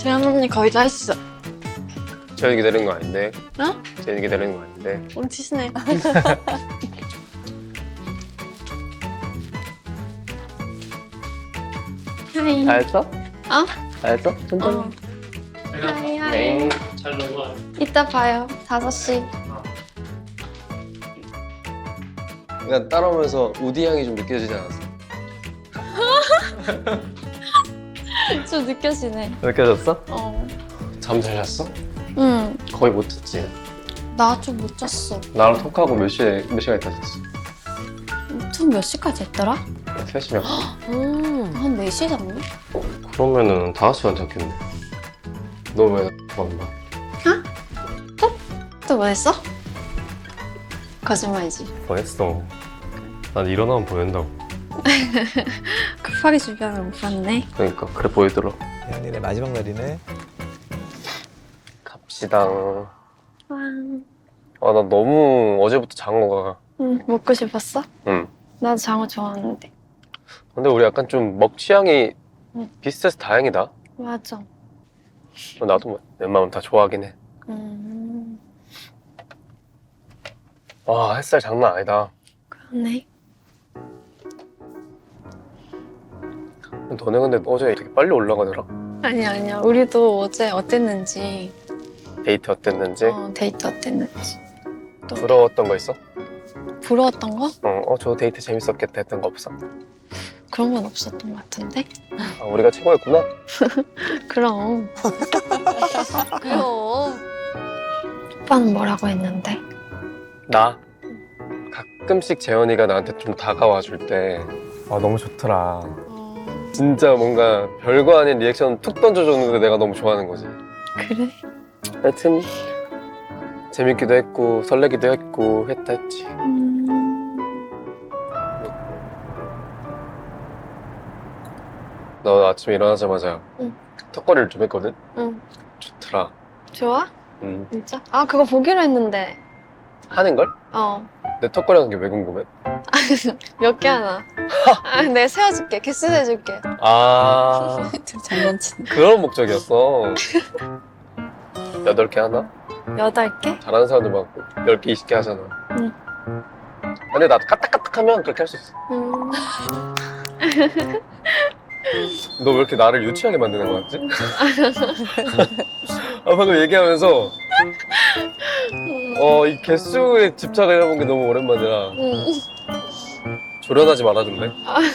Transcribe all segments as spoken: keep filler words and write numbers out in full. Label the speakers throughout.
Speaker 1: 재현 언니 거의 다 했어.
Speaker 2: 재현이 기다리는 거 아닌데.
Speaker 1: 어?
Speaker 2: 재현이 기다리는 거 아닌데.
Speaker 1: 뭉치시네. 하이.
Speaker 2: 다 했어?
Speaker 1: 어?
Speaker 2: 다 했어? 천천히.
Speaker 1: 어. 하이 하이.
Speaker 2: 네.
Speaker 3: 잘 넘어가.
Speaker 1: 이따 봐요. 다섯 시.
Speaker 2: 그냥 따라오면서 우디 향이 좀 느껴지지 않았어?
Speaker 1: 좀 느껴지네.
Speaker 2: 느껴졌어?
Speaker 1: 어.
Speaker 2: 잠 잘 잤어?
Speaker 1: 응.
Speaker 2: 거의 못 잤지.
Speaker 1: 나 좀 못 잤어.
Speaker 2: 나랑 톡하고 몇 시에 몇 시간 있다 잤어?
Speaker 1: 총 몇 시까지 했더라?
Speaker 2: 세 시면.
Speaker 4: 음.
Speaker 1: 한 네 시 잤나?
Speaker 2: 그러면은 다섯 시간 잤겠네. 너 왜 안 봐?
Speaker 1: 또 뭐 했어? 거짓말이지.
Speaker 2: 뭐 했어? 난 일어나면 보인다고.
Speaker 1: 급하게 준비하면 못 봤네.
Speaker 2: 그러니까 그래 보이더라.
Speaker 5: 혜연이네 마지막 날이네.
Speaker 2: 갑시다.
Speaker 1: 와.
Speaker 2: 아, 나 너무 어제부터 장어가.
Speaker 1: 응. 먹고 싶었어?
Speaker 2: 응.
Speaker 1: 나도 장어 좋아하는데.
Speaker 2: 근데 우리 약간 좀 먹 취향이
Speaker 1: 응.
Speaker 2: 비슷해서 다행이다.
Speaker 1: 맞아.
Speaker 2: 나도 뭐 웬만하면 다 좋아하긴 해.
Speaker 1: 음.
Speaker 2: 와, 햇살 장난 아니다.
Speaker 1: 그러네.
Speaker 2: 너네 근데 어제 되게 빨리 올라가더라?
Speaker 1: 아니야 아니야. 우리도 어제 어땠는지.
Speaker 2: 데이트 어땠는지?
Speaker 1: 어, 데이트 어땠는지. 또
Speaker 2: 부러웠던 거 있어?
Speaker 1: 부러웠던 거?
Speaker 2: 어, 어, 저 데이트 재밌었겠다 했던 거 없어?
Speaker 1: 그런 건 없었던 것 같은데?
Speaker 2: 아, 우리가 최고였구나?
Speaker 1: 그럼.
Speaker 4: 그럼.
Speaker 1: 오빠는 뭐라고 했는데?
Speaker 2: 나? 가끔씩 재현이가 나한테 좀 다가와 줄 때 아, 너무 좋더라.
Speaker 1: 어...
Speaker 2: 진짜 뭔가 별거 아닌 리액션 툭 던져줬는데 내가 너무 좋아하는 거지.
Speaker 1: 그래?
Speaker 2: 하여튼 재밌기도 했고 설레기도 했고 했다 했지.
Speaker 1: 음...
Speaker 2: 너 아침에 일어나자마자
Speaker 1: 응.
Speaker 2: 턱걸이를 좀 했거든?
Speaker 1: 응.
Speaker 2: 좋더라.
Speaker 1: 좋아?
Speaker 2: 응.
Speaker 1: 진짜? 아 그거 보기로 했는데.
Speaker 2: 하는걸?
Speaker 1: 어.
Speaker 2: 내 턱걸이 하는 게 왜 궁금해?
Speaker 1: 몇 개 하나? 아, 내가 세워줄게. 개수 세줄게.
Speaker 2: 아
Speaker 4: 장난치네.
Speaker 2: 그런 목적이었어. 여덟 개 하나?
Speaker 1: 여덟 개?
Speaker 2: 잘하는 사람들 막 열 개, 이십 개 하잖아.
Speaker 1: 응.
Speaker 2: 근데 나도 까딱까딱하면 그렇게 할 수 있어.
Speaker 1: 음...
Speaker 2: 너 왜 이렇게 나를 유치하게 만드는 거 같지? 아, 방금 얘기하면서 어, 이 개수에 집착을 해본 게 너무 오랜만이라
Speaker 1: 음.
Speaker 2: 조련하지 말아줄래?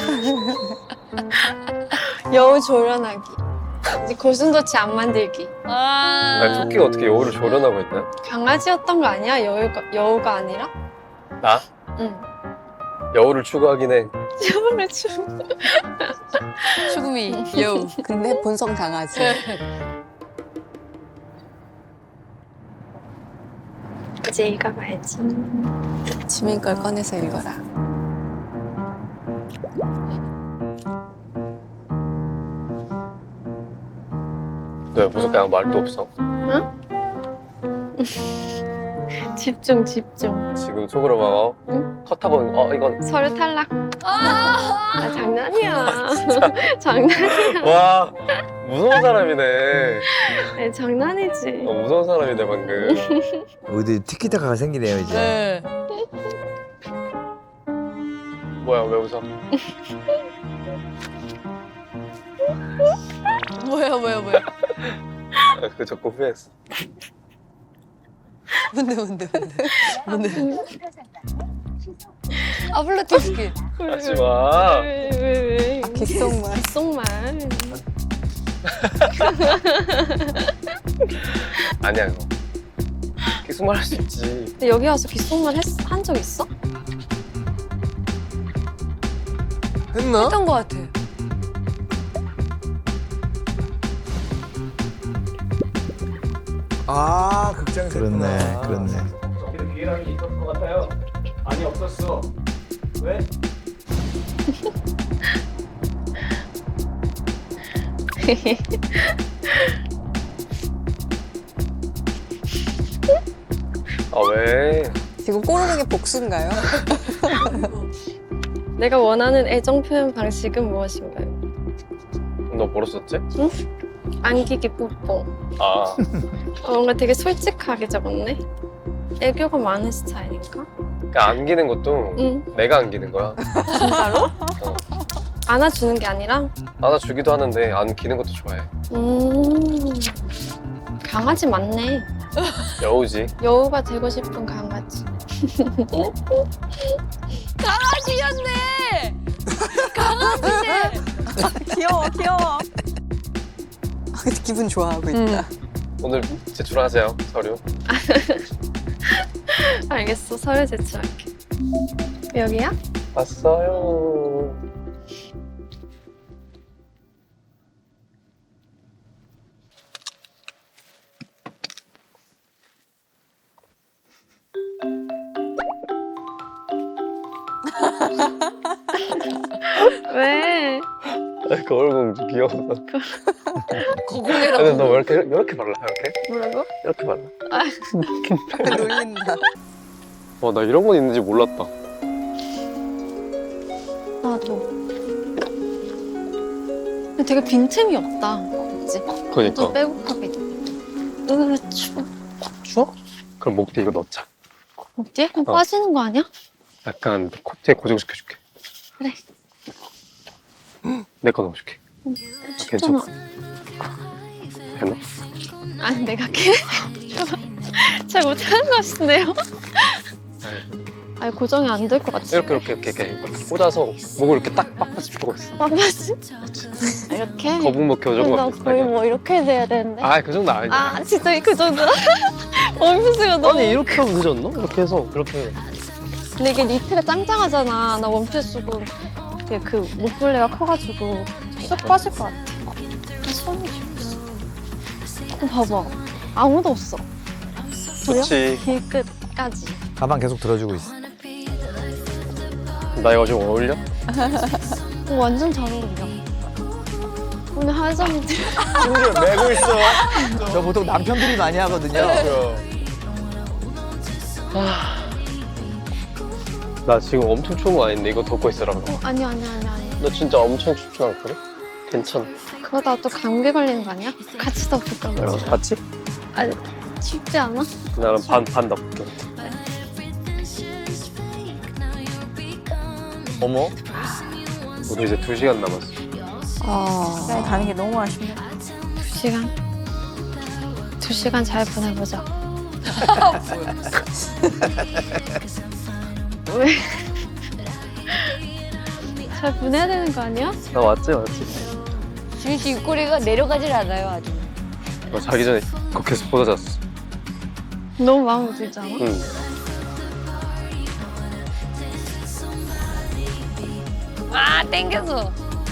Speaker 1: 여우 조련하기. 이제 고슴도치 안 만들기.
Speaker 4: 아.
Speaker 2: 아니, 토끼가 어떻게 여우를 조련하고 있나?
Speaker 1: 강아지였던 거 아니야? 여우가, 여우가 아니라?
Speaker 2: 나?
Speaker 1: 응.
Speaker 2: 여우를 추구하긴 해.
Speaker 1: 여우를 추.
Speaker 4: 추구미 여우. 근데 본성 강아지.
Speaker 1: 이제 읽어봐야지.
Speaker 4: 지민 걸 꺼내서 읽어라.
Speaker 2: 너 왜 무섭게 아무 말도 없어?
Speaker 1: 집중 집중.
Speaker 2: 지금 속으로 막 어?
Speaker 1: 응?
Speaker 2: 컷하고 어 이건
Speaker 1: 서류 탈락. 아 장난이야. 장난이야.
Speaker 2: 와 무서운 사람이네.
Speaker 1: 아니, 장난이지.
Speaker 2: 어, 무서운 사람이네 방금.
Speaker 5: 어디 티키타카가 생기네요 이제.
Speaker 4: 네.
Speaker 2: 뭐야 왜 웃어?
Speaker 4: 뭐야 뭐야 뭐야.
Speaker 2: 아, 그거 적고 후회했어.
Speaker 4: 뭔데 뭔데 뭔데. 뭔데. 아블라티스키.
Speaker 2: 하지 마.
Speaker 1: 왜 왜 왜?
Speaker 4: 아, 귓속말.
Speaker 1: 귓속말.
Speaker 2: 아니야 그거. 계속 말할 수 있지.
Speaker 1: 근데 여기 와서 귓속말 한 적 있어?
Speaker 5: 했나?
Speaker 4: 했던 것 같아.
Speaker 5: 아 극장에서
Speaker 6: 그렇네,
Speaker 5: 했구나.
Speaker 6: 그렇네.
Speaker 3: 저기도 기회라는 게 있었던 것 같아요. 아니 없었어. 왜?
Speaker 2: 아 왜?
Speaker 4: 지금 꼬르는 게 복수인가요?
Speaker 1: 내가 원하는 애정 표현 방식은 무엇인가요?
Speaker 2: 너 뭐로 썼지?
Speaker 1: 응? 안기기 뽀뽀.
Speaker 2: 아,
Speaker 1: 어, 뭔가 되게 솔직하게 적었네. 애교가 많은 스타일인가?
Speaker 2: 그러니까 안기는 것도
Speaker 1: 응.
Speaker 2: 내가 안기는 거야.
Speaker 1: 진짜로?
Speaker 2: 어.
Speaker 1: 안아주는 게 아니라?
Speaker 2: 안아주기도 하는데 안기는 것도 좋아해.
Speaker 1: 음. 강아지 맞네.
Speaker 2: 여우지.
Speaker 1: 여우가 되고 싶은 강아지.
Speaker 4: 강아지였네. 강아지네. 귀여워 귀여워. 기분 좋아하고 있다.
Speaker 2: 오늘 제출하세요, 서류.
Speaker 1: 알겠어. 서류 제출할게. 여기야?
Speaker 2: 왔어요.
Speaker 1: 왜?
Speaker 2: 거울공주 귀여워서.
Speaker 4: 거공이라고
Speaker 2: 근데 너 왜 이렇게 이렇게 발라? 이렇게?
Speaker 1: 뭐라고?
Speaker 2: 이렇게 발라?
Speaker 4: 놀린다.
Speaker 2: 와, 나 이런 건 있는지 몰랐다.
Speaker 1: 나도. 근데 되게 빈틈이 없다. 그치?
Speaker 2: 그러니까.
Speaker 1: 좀 빼곡하게. 으, 추워.
Speaker 2: 추워? 그럼 목 뒤에 이거 넣자.
Speaker 1: 어디? 그럼
Speaker 2: 어.
Speaker 1: 빠지는 거 아니야?
Speaker 2: 약간 코트에 고정시켜줄게.
Speaker 1: 그래.
Speaker 2: 내 거 넣어줄게.
Speaker 1: 춥잖아.
Speaker 2: 됐나?
Speaker 1: 아니, 내가 걔? 잘 못하는 것 같은데요? 아니, 고정이 안 될 것 같지?
Speaker 2: 이렇게 이렇게 이렇게 이렇게 이렇게 꽂아서 목을 이렇게 딱 빡빡이 펴고 있어.
Speaker 1: 빡빡이? 이렇게?
Speaker 2: 거북목 교정과
Speaker 1: 나 거의
Speaker 2: 비슷하게.
Speaker 1: 뭐 이렇게 돼야 되는데.
Speaker 2: 아, 그 정도 아니야.
Speaker 1: 아, 진짜 그 정도? 원피스가 너무.
Speaker 2: 아니, 이렇게 하면 늦었나? 이렇게 해서 그렇게.
Speaker 1: 근데 이게 니트가 짱짱하잖아. 나 원피스고. 이게 그 목걸이가 커가지고 쏙 빠질 것 같아. 손이 없어. 어, 봐봐. 아무도 없어. 보여?
Speaker 2: 그렇지.
Speaker 1: 길끝까지.
Speaker 5: 가방 계속 들어주고 있어.
Speaker 2: 나 이거 좀 어울려?
Speaker 1: 어, 완전 잘 어울려. 오늘 하정이
Speaker 5: 심지어 메고 있어. 저 보통 남편들이 많이 하거든요.
Speaker 2: 나 지금 엄청 추운 거 아닌데 이거 덮고 있으라고.
Speaker 1: 어, 아니야, 아니야, 아니야, 아니야.
Speaker 2: 너 진짜 엄청 춥지 않거든? 괜찮아.
Speaker 1: 그러다 또 감기 걸리는 거 아니야? 같이 덮을까, 그럼?
Speaker 2: 같이?
Speaker 1: 아니, 쉽지 않아?
Speaker 2: 나는 반, 반 덮을게.
Speaker 5: 어머.
Speaker 2: 우리 이제 두 시간 남았어.
Speaker 1: 어...
Speaker 4: 시간이 가는 게 너무 아쉽네.
Speaker 1: 두 시간? 두 시간 잘 보내보자. 왜? 잘 보내야 되는 거 아니야?
Speaker 2: 나 왔지, 왔지.
Speaker 4: 지민 씨 입꼬리가 내려가질 않아요 아직.
Speaker 2: 너 자기 전에 그거 계속 보다 잤어.
Speaker 1: 너무 마음에 들지 않아?
Speaker 2: 응.
Speaker 4: 아 땡겨서.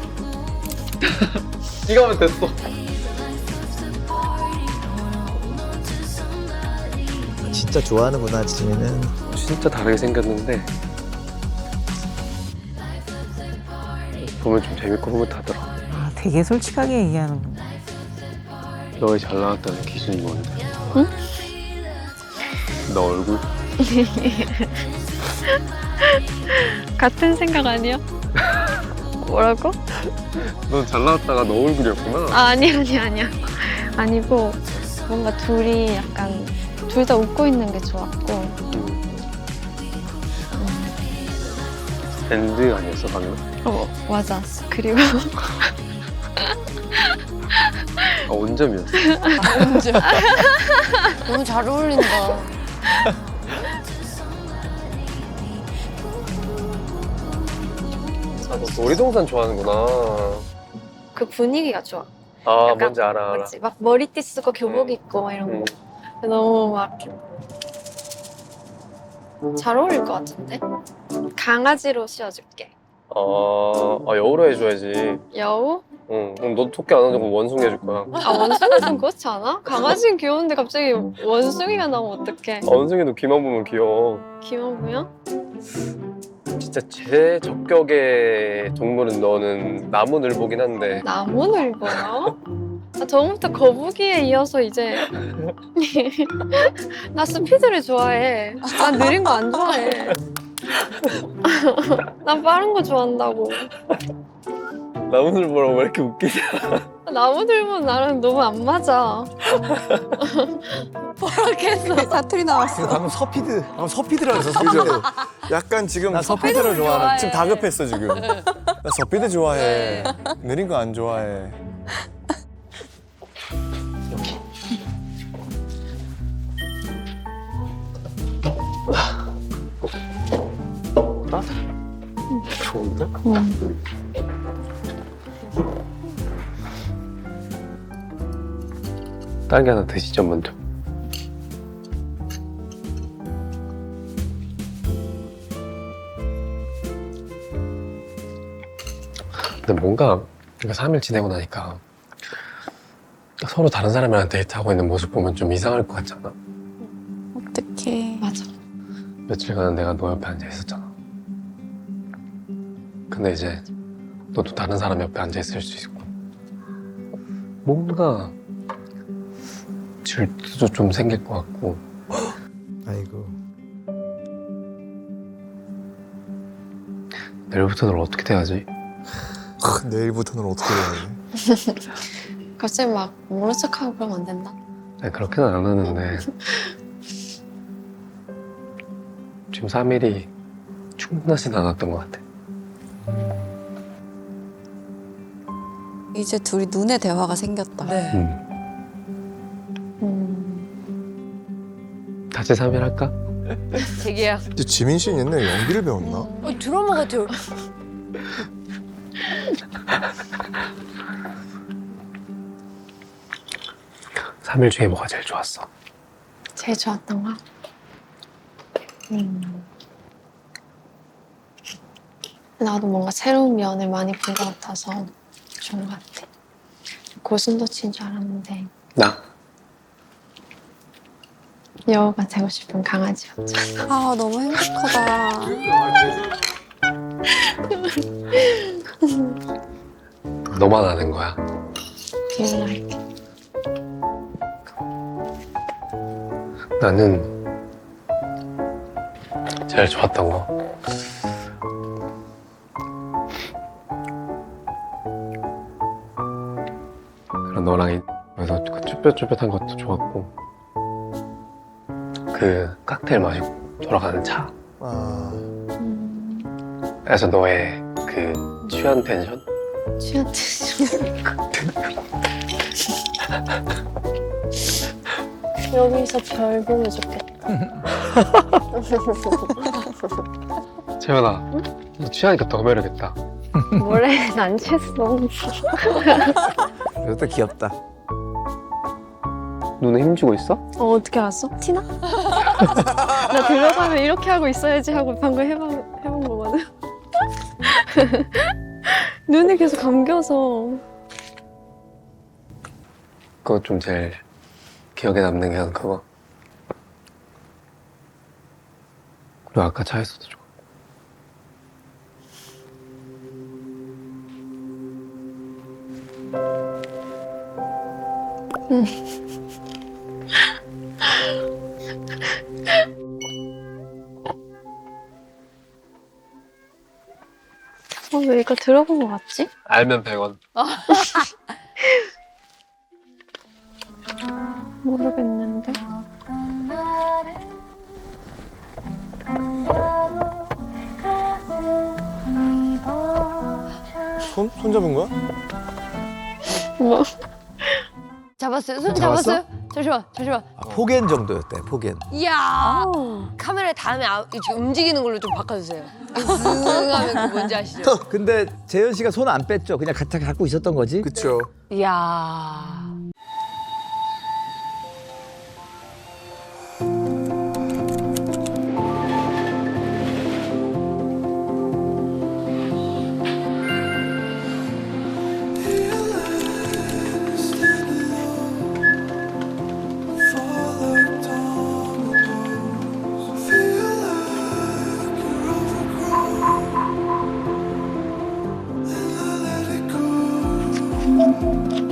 Speaker 2: 이거 하면 됐어.
Speaker 5: 진짜 좋아하는구나, 지민은.
Speaker 2: 진짜 다르게 생겼는데 보면 좀 재밌고 흐뭇하더라.
Speaker 6: 아, 되게 솔직하게 얘기하는구나.
Speaker 2: 너의 잘 나왔다는 기준이 뭔데?
Speaker 1: 응?
Speaker 2: 너 얼굴?
Speaker 1: 같은 생각 아니야? 뭐라고?
Speaker 2: 넌 잘 나왔다가 너 얼굴이었구나.
Speaker 1: 아, 아니, 아니, 아니야. 아니고, 뭔가 둘이 약간, 둘 다 웃고 있는 게 좋았고.
Speaker 2: 음. 밴드 아니었어 방금?
Speaker 1: 어, 맞아. 그리고,
Speaker 2: 아, 원점이었어.
Speaker 4: 너무 잘 어울린다.
Speaker 2: 아, 너 놀이동산 좋아하는구나.
Speaker 1: 그 분위기가 좋아.
Speaker 2: 아,
Speaker 1: 약간
Speaker 2: 뭔지 알아, 알아.
Speaker 1: 맞지? 막 머리띠 쓰고 교복 입고 막 이런
Speaker 2: 응.
Speaker 1: 거. 너무 막 잘 어울릴 것 같은데? 강아지로 씌워줄게.
Speaker 2: 아, 아, 여우로 해줘야지.
Speaker 1: 여우?
Speaker 2: 응. 그럼 너 토끼 안 하고 원숭이 해줄 거야.
Speaker 1: 아, 원숭이 좀 그렇지 않아? 강아지는 귀여운데 갑자기 원숭이가 나오면 어떡해.
Speaker 2: 아, 원숭이도 귀만 보면 귀여워.
Speaker 1: 귀여운 거야?
Speaker 2: 진짜 제적격의 동물은 너는 나무늘보긴 한데
Speaker 1: 나무늘보요? 아, 저번부터 거북이에 이어서 이제 나 스피드를 좋아해. 난 느린 거 안 좋아해. 난 빠른 거 좋아한다고.
Speaker 2: 나무늘 보러 왜 이렇게 웃기냐?
Speaker 1: 나무들만 나랑 너무 안 맞아.
Speaker 4: 사투리 나왔어.
Speaker 5: 방금 서피드. 방금 서피드라 그랬어, 서피드.
Speaker 7: 약간 지금
Speaker 5: 나 서피드를 좋아하는.
Speaker 7: 지금 다급했어 지금. 나 서피드 좋아해. 느린 거 안 좋아해.
Speaker 2: 좋은데? 딸기 하나 드시죠 먼저. 근데 뭔가 이거 삼 일 지내고 나니까 서로 다른 사람이랑 데이트하고 있는 모습 보면 좀 이상할 것 같잖아.
Speaker 1: 어떡해. 맞아.
Speaker 2: 며칠간 내가 너 옆에 앉아 있었잖아. 근데 이제 너도 다른 사람 옆에 앉아 있을 수 있고 뭔가 질투도 좀 생길 것 같고.
Speaker 5: 아이고.
Speaker 2: 내일부터 널 어떻게 돼야지?
Speaker 7: 내일부터는 어떻게 해야 돼?
Speaker 1: 갑자기 막 모른 척하고 그러면 안 된다.
Speaker 2: 아니, 그렇게는 안 하는데 지금 삼 일이 충분하진 않았던 것 같아.
Speaker 8: 이제 둘이 눈의 대화가 생겼다.
Speaker 4: 네.
Speaker 2: 음.
Speaker 1: 음.
Speaker 2: 다시 삼 일 할까?
Speaker 4: 재계약.
Speaker 7: 근데 지민 씨는 옛날에 연기를 배웠나?
Speaker 4: 어, 드라마 같아요.
Speaker 2: 삼 일 중에 뭐가 제일 좋았어?
Speaker 1: 제일 좋았던 거? 음. 나도 뭔가 새로운 면을 많이 본 것 같아서 좋은 것 같아. 고슴도치인 줄 알았는데
Speaker 2: 나?
Speaker 1: 여우가 되고 싶은 강아지였잖아.
Speaker 8: 아 너무 행복하다.
Speaker 2: 너만 아는 거야.
Speaker 1: 기억날게.
Speaker 2: 나는 제일 좋았던 거 그런 너랑 이- 그래서 그 쭈뼛쭈뼛한 것도 좋았고 그 칵테일 마시고 돌아가는 차
Speaker 7: 아,
Speaker 1: 음.
Speaker 2: 그래서 너의 그 취한 텐션?
Speaker 1: 취한테 여기서 별 보면 좋겠다.
Speaker 2: 재현아 너 취하니까 더 매력있다.
Speaker 1: 뭐래? 난 취했어.
Speaker 5: 이것도 귀엽다.
Speaker 2: 눈에 힘주고 있어?
Speaker 1: 어, 어떻게 알았어? 티나? 나 들어가면 이렇게 하고 있어야지 하고 방금 해본, 해본 거거든. 눈에 계속 감겨서.
Speaker 2: 그거 좀 제일 기억에 남는 게 난 그거. 그리고 아까 차에서도 좋아.
Speaker 1: 어, 왜 이거 들어본 거 같지?
Speaker 2: 알면 백 원.
Speaker 1: 모르겠는데.
Speaker 7: 손? 손 잡은 거야?
Speaker 1: 뭐?
Speaker 4: 잡았어요? 손
Speaker 7: 잡았어?
Speaker 4: 잡았어요? 잠시만, 잠시만.
Speaker 5: 아, 폭엔 정도였대, 폭엔.
Speaker 4: 이야. 카메라 다음에 아, 이렇게 움직이는 걸로 좀 바꿔주세요. 쓱 하면 그 뭔지 아시죠?
Speaker 5: 근데 재현 씨가 손 안 뺐죠? 그냥 같이 갖고 있었던 거지?
Speaker 7: 그쵸.
Speaker 4: 이야.
Speaker 9: Let it go.